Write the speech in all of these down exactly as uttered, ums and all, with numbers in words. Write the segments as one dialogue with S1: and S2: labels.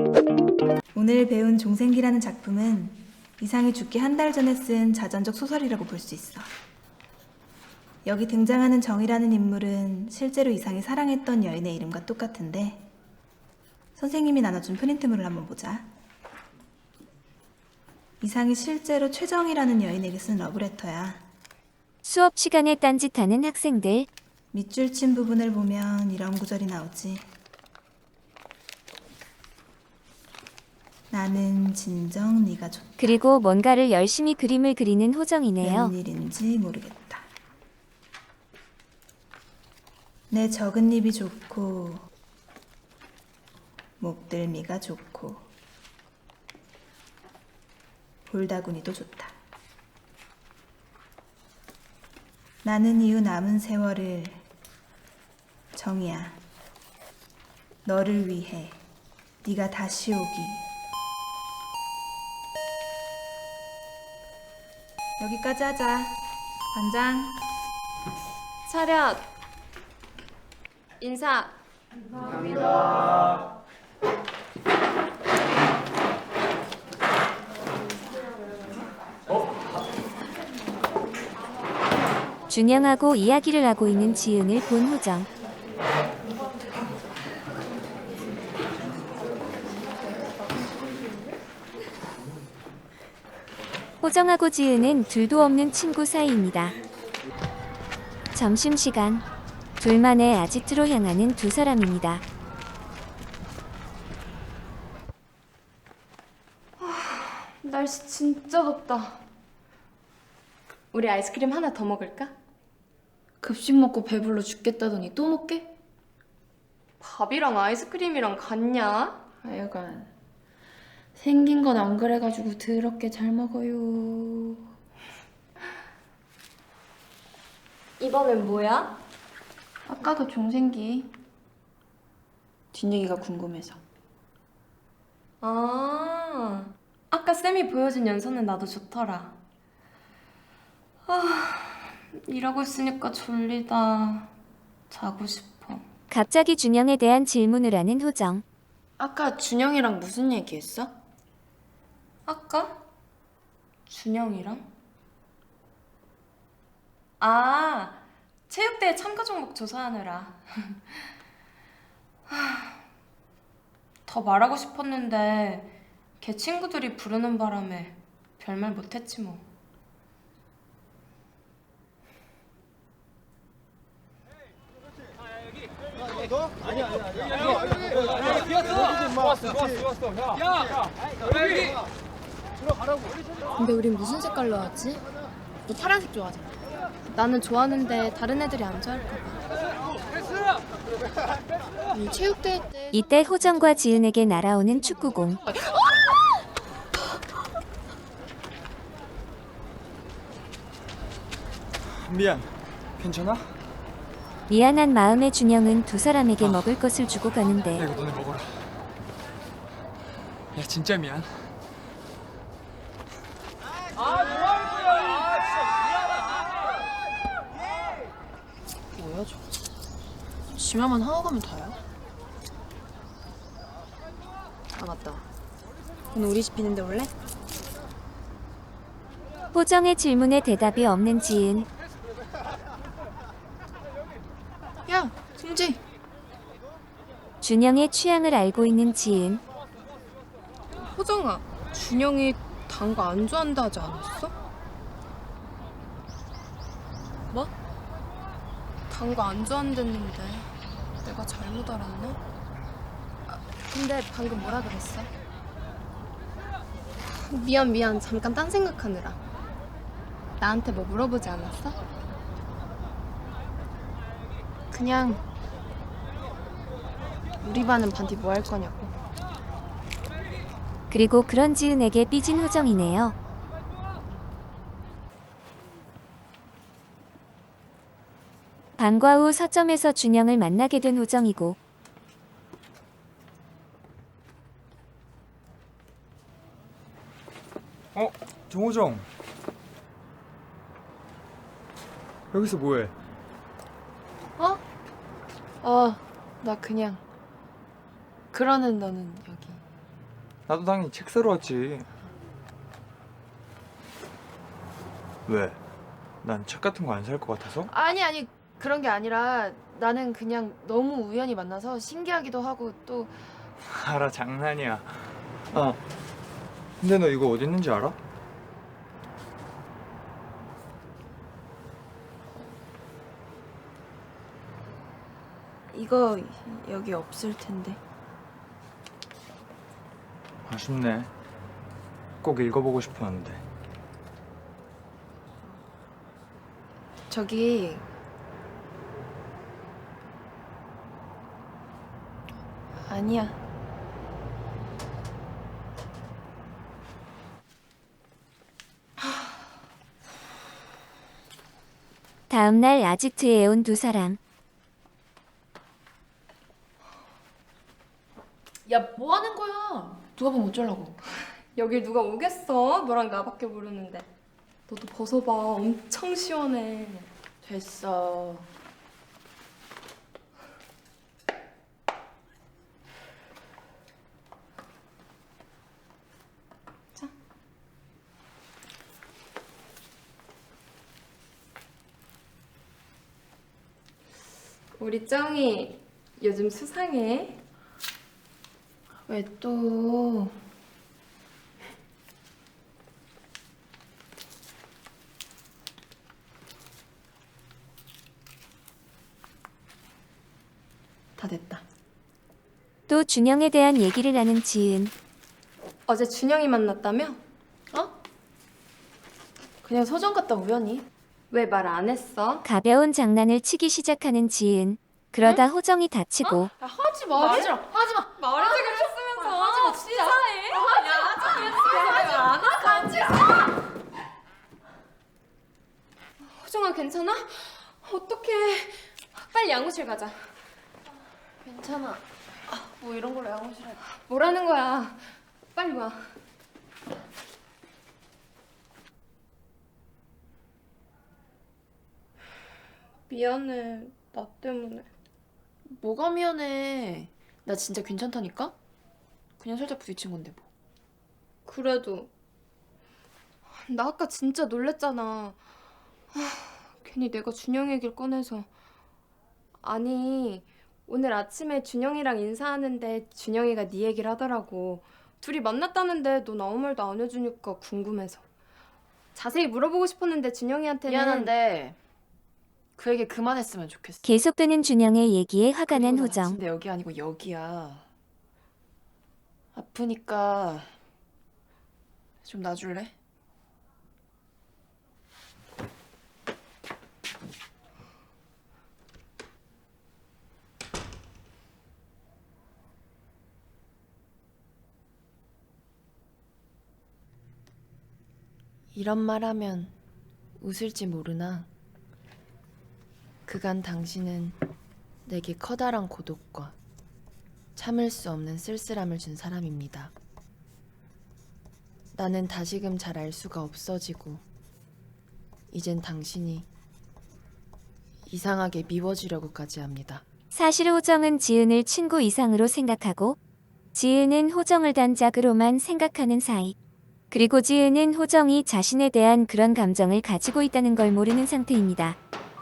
S1: 오늘 배운 종생기라는 작품은 이상이 죽기 한 달 전에 쓴 자전적 소설이라고 볼 수 있어. 여기 등장하는 정이라는 인물은 실제로 이상이 사랑했던 여인의 이름과 똑같은데 선생님이 나눠준 프린트물을 한번 보자. 이상이 실제로 최정이라는 여인에게 쓴 러브레터야.
S2: 수업 시간에 딴짓하는 학생들.
S1: 밑줄 친 부분을 보면 이런 구절이 나오지. 나는 진정 네가 좋다.
S2: 그리고 뭔가를 열심히 그림을 그리는 호정이네요.
S1: 웬일인지 모르겠다. 내 적은 입이 좋고 목들미가 좋고 볼다구니도 좋다. 나는 이후 남은 세월을 정이야. 너를 위해 네가 다시 오기. 여기까지 하자. 반장.
S3: 차렷. 인사.
S2: 준영하고 이야기를 하고 있는 지은을 본 호정. 호정하고 지은은 둘도 없는 친구 사이입니다. 점심시간. 둘만의 아지트로 향하는 두 사람입니다.
S3: 날씨 진짜 덥다. 우리 아이스크림 하나 더 먹을까?
S4: 급식 먹고 배불러 죽겠다더니 또 먹게?
S3: 밥이랑 아이스크림이랑 같냐?
S4: 하여간 생긴 건 안 그래가지고 더럽게 잘 먹어요.
S3: 이번엔 뭐야?
S4: 아까 그 종생기 뒷얘기가 궁금해서.
S3: 아, 아까 쌤이 보여준 연서는 나도 좋더라. 아, 일하고 있으니까 졸리다. 자고 싶어.
S2: 갑자기 준영에 대한 질문을 하는 호정.
S4: 아까 준영이랑 무슨 얘기했어?
S3: 아까? 준영이랑? 아, 체육대회 참가 종목 조사하느라. 하, 더 말하고 싶었는데 걔 친구들이 부르는 바람에 별말 못했지 뭐.
S5: 근데 우린 무슨 색깔로 하지? 너 파란색 좋아하잖아. 나는 좋아하는데 다른 애들이 안 좋아할까 봐. 이 체육대회 때
S2: 이때 호정과 지은에게 날아오는 축구공.
S6: 미안. 괜찮아?
S2: 미안한 마음의 준영은 두 사람에게 먹을 것을 주고 가는데
S6: 야, 이거 너네 먹어라. 야, 진짜 미안.
S5: 뭐야 저거? 지나만 하고 가면 다야? 아 맞다. 오늘 우리 집 비는데 올래?
S2: 호정의 질문에 대답이 없는 지은.
S5: 야 승지.
S2: 준영의 취향을 알고 있는 지은.
S5: 호정아, 준영이 단 거 안 좋아한다 하지 않았어? 뭐? 단 거 안 좋아한댔는데 내가 잘못 알았나? 아, 근데 방금 뭐라 그랬어? 미안 미안 잠깐 딴 생각하느라. 나한테 뭐 물어보지 않았어? 그냥 우리 반은 반디 뭐 할 거냐고.
S2: 그리고 그런 지은에게 삐진 호정이네요. 방과 후 서점에서 준영을 만나게 된 호정이고
S6: 어? 정호정. 여기서 뭐해?
S4: 어? 어, 나 그냥. 그러는 너는 여기.
S6: 나도 당연히 책 사러 왔지. 왜? 난 책 같은 거 안 살 것 같아서?
S5: 아니 아니 그런 게 아니라 나는 그냥 너무 우연히 만나서 신기하기도 하고 또
S6: 알아, 장난이야. 아, 근데 너 이거 어디 있는지 알아?
S3: 이거 여기 없을 텐데.
S6: 아쉽네. 꼭 읽어보고 싶었는데.
S5: 저기 아니야.
S2: 다음 날 아지트에 온 두 사람.
S4: 야, 뭐 하는 거야? 누가 보면 어쩌려고?
S3: 여길 누가 오겠어? 너랑 나밖에 모르는데. 너도 벗어봐. 엄청 시원해.
S4: 됐어.
S3: 우리 쩡이 요즘 수상해.
S5: 왜 또? 다 됐다.
S2: 또 준영에 대한 얘기를 하는 지은.
S3: 어제 준영이 만났다며?
S5: 어? 그냥 서점 갔다 우연히.
S3: 왜 말 안 했어?
S2: 가벼운 장난을 치기 시작하는 지은. 그러다 호정이 다치고
S5: 야, 하지 마. 하지 마. 하지 마.
S3: 말해주기로 했으면서.
S5: 하지 마, 진짜.
S3: 치사해. 야, 하지 마. 호정아 괜찮아? 어떡해. 빨리 양호실 가자.
S5: 괜찮아. 아, 뭐 이런 걸로 양호실에.
S3: 뭐라는 거야. 빨리 와. 미안해. 나 때문에.
S4: 뭐가 미안해. 나 진짜 괜찮다니까? 그냥 살짝 부딪힌 건데 뭐.
S3: 그래도 나 아까 진짜 놀랬잖아. 아, 괜히 내가 준영 얘기를 꺼내서. 아니 오늘 아침에 준영이랑 인사하는데 준영이가 네 얘기를 하더라고. 둘이 만났다는데 너 아무 말도 안 해주니까 궁금해서. 자세히 물어보고 싶었는데 준영이한테는.
S4: 미안한데 그 얘기 그만했으면 좋겠어.
S2: 계속되는 준영의 얘기에 화가 난
S4: 그리고 나
S2: 호정.
S4: 다친데 여기 아니고 여기야. 아프니까 좀 놔줄래? 이런 말 하면 웃을지 모르나 그간 당신은 내게 커다란 고독과 참을 수 없는 쓸쓸함을 준 사람입니다. 나는 다시금 잘 알 수가 없어지고 이젠 당신이 이상하게 미워지려고까지 합니다.
S2: 사실 호정은 지은을 친구 이상으로 생각하고 지은은 호정을 단짝으로만 생각하는 사이. 그리고 지은은 호정이 자신에 대한 그런 감정을 가지고 있다는 걸 모르는 상태입니다.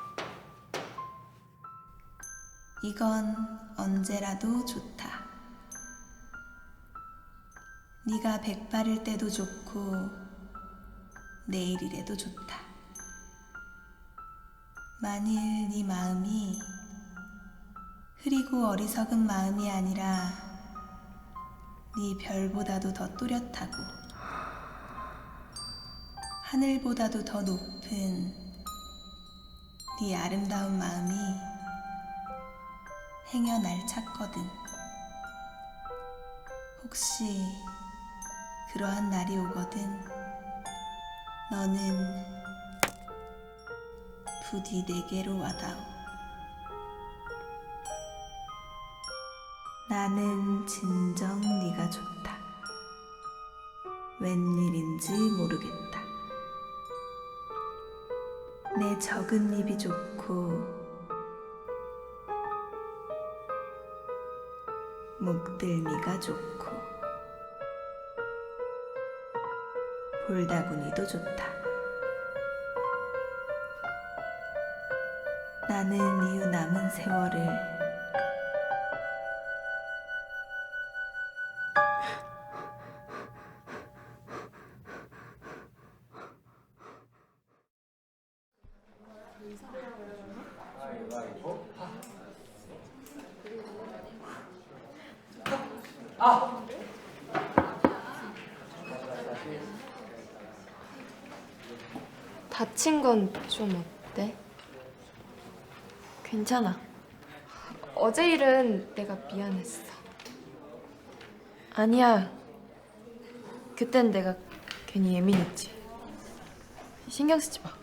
S1: 이건 언제라도 좋다. 네가 백발일 때도 좋고 내일이래도 좋다. 만일 네 마음이 흐리고 어리석은 마음이 아니라 네 별보다도 더 또렷하고 하늘보다도 더 높은 네 아름다운 마음이 행여날 찾거든. 혹시 그러한 날이 오거든 너는 부디 내게로 와다오. 나는 진정 네가 좋다. 웬일인지 모르겠다. 내 적은 입이 좋고 목들미가 좋고 볼다구니도 좋다. 나는 이후 남은 세월을
S3: 다친 건 좀 어때?
S4: 괜찮아.
S3: 어제 일은 내가 미안했어.
S4: 아니야. 그땐 내가 괜히 예민했지. 신경 쓰지 마.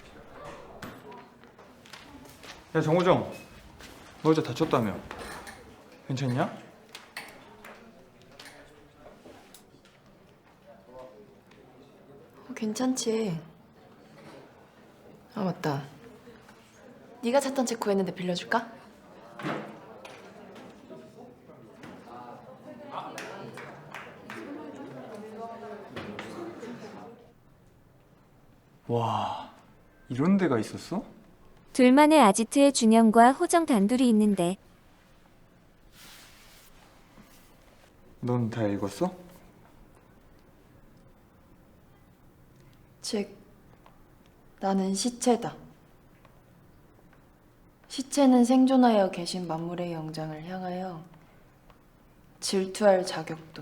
S6: 야 정우정, 너 어제 다쳤다며? 괜찮냐?
S4: 어, 괜찮지. 아 맞다. 네가 찾던 책 구했는데 빌려줄까?
S6: 와, 이런 데가 있었어?
S2: 둘만의 아지트의 준영과 호정 단둘이 있는데
S6: 넌 다 읽었어?
S4: 즉, 나는 시체다. 시체는 생존하여 계신 만물의 영장을 향하여 질투할 자격도,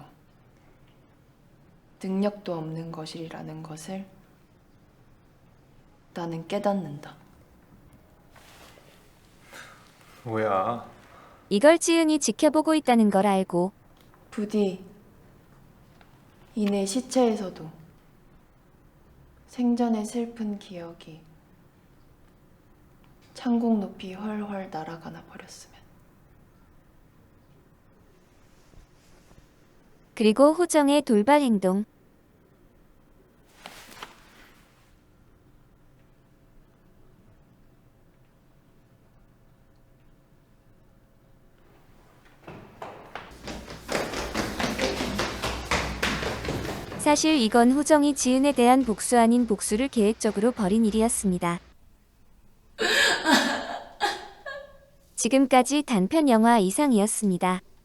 S4: 능력도 없는 것이라는 것을 나는 깨닫는다.
S6: 뭐야?
S2: 이걸 지은이 지켜보고 있다는 걸 알고
S4: 부디 이내 시체에서도 생전의 슬픈 기억이 창공 높이 훨훨 날아가나 버렸으면.
S2: 그리고 호정의 돌발 행동. 사실 이건 호정이 지은에 대한 복수 아닌 복수를 계획적으로 벌인 일이었습니다. 지금까지 단편 영화 이상이었습니다.